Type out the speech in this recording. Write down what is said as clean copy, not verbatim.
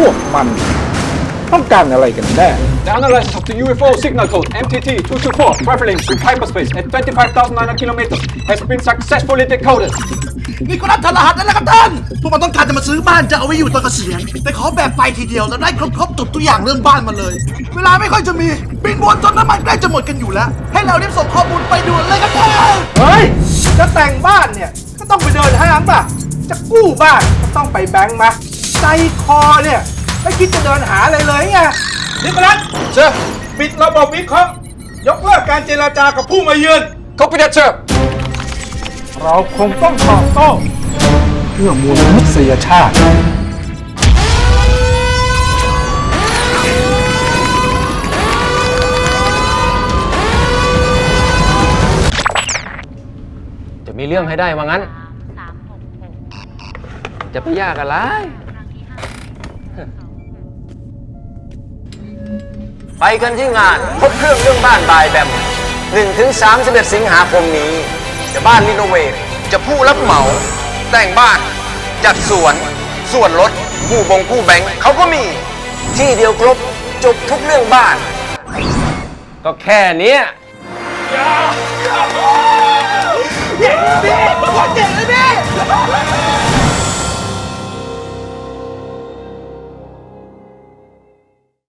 วกมันต้องการอะไรกันแน่ The analysis of the UFO signal code MTT-224 traveling through hyperspace at 25,900 kilometers has been successfully decoded. นี่ก็รับทรหัสนั่นแหละครับท่านพวกมันต้องการจะมาซื้อบ้านจะเอาไว้อยู่ตอนเกษียณแต่ขอแบบไปทีเดียวแล้วได้ครบทุกอย่างเรื่องบ้านมาเลย เวลาไม่ค่อยจะมีบินวนจนน้ำมันใกล้จะหมดกันอยู่แล้วให้เรารีบส่งข้อมูลไปด่วนเลยครับท่านเฮ้ย จะแต่งบ้านเนี่ยก็ต้องไปเดินห้างป่ะ จะกู้บ้านก็ต้องไปแบงก์มาใจคอเนี่ยไม่คิดจะเดินหาอะไรเลยไงนิโคลัสเชิญปิดระบบวิเคราะห์ยกเลิกการเจรจากับผู้มาเยือน Copy that, sir. เราคงต้องตอบโต้เพื่อมวลมนุษยชาติจะมีเรื่องให้ได้ว่างั้น จะไปยากอะไร ไปกันที่งานพบเครื่องเรื่องบ้านบายแบม 1-31 สิงหาคมนี้ จะบ้านรีโนเวทจะผู้รับเหมา แต่งบ้าน จัดสวน ส่วนลดผู้แบงค์เขาก็มี ที่เดียวครบ จบทุกเรื่องบ้าน ก็แค่เนี้ยพี่โคตรเจ๋งเลยพี่